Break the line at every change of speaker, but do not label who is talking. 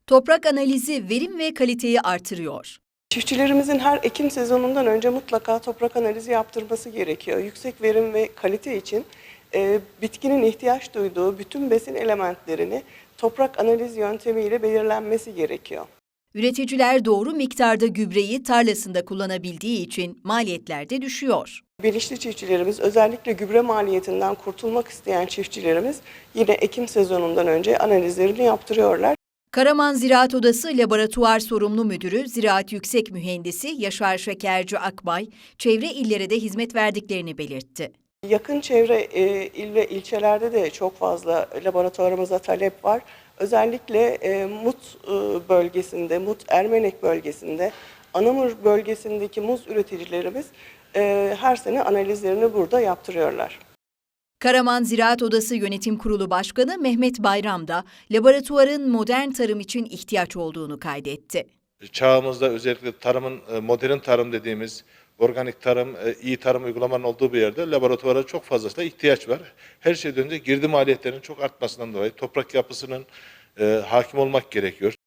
Toprak analizi verim ve kaliteyi artırıyor.
Çiftçilerimizin her ekim sezonundan önce mutlaka toprak analizi yaptırması gerekiyor. Yüksek verim ve kalite için bitkinin ihtiyaç duyduğu bütün besin elementlerini toprak analiz yöntemiyle belirlenmesi gerekiyor.
Üreticiler doğru miktarda gübreyi tarlasında kullanabildiği için maliyetler de düşüyor.
Bilinçli çiftçilerimiz, özellikle gübre maliyetinden kurtulmak isteyen çiftçilerimiz yine ekim sezonundan önce analizlerini yaptırıyorlar.
Karaman Ziraat Odası Laboratuvar Sorumlu Müdürü Ziraat Yüksek Mühendisi Yaşar Şekerci Akbay, çevre illere de hizmet verdiklerini belirtti.
Yakın çevre il ve ilçelerde de çok fazla laboratuvarımıza talep var. Özellikle Mut bölgesinde, Mut Ermenek bölgesinde, Anamur bölgesindeki muz üreticilerimiz her sene analizlerini burada yaptırıyorlar.
Karaman Ziraat Odası Yönetim Kurulu Başkanı Mehmet Bayram da laboratuvarın modern tarım için ihtiyaç olduğunu kaydetti.
Çağımızda özellikle tarımın, modern tarım dediğimiz organik tarım, iyi tarım uygulamanın olduğu bir yerde laboratuvara çok fazlasıyla ihtiyaç var. Her şeyden önce girdi maliyetlerinin çok artmasından dolayı toprak yapısının hakim olmak gerekiyor.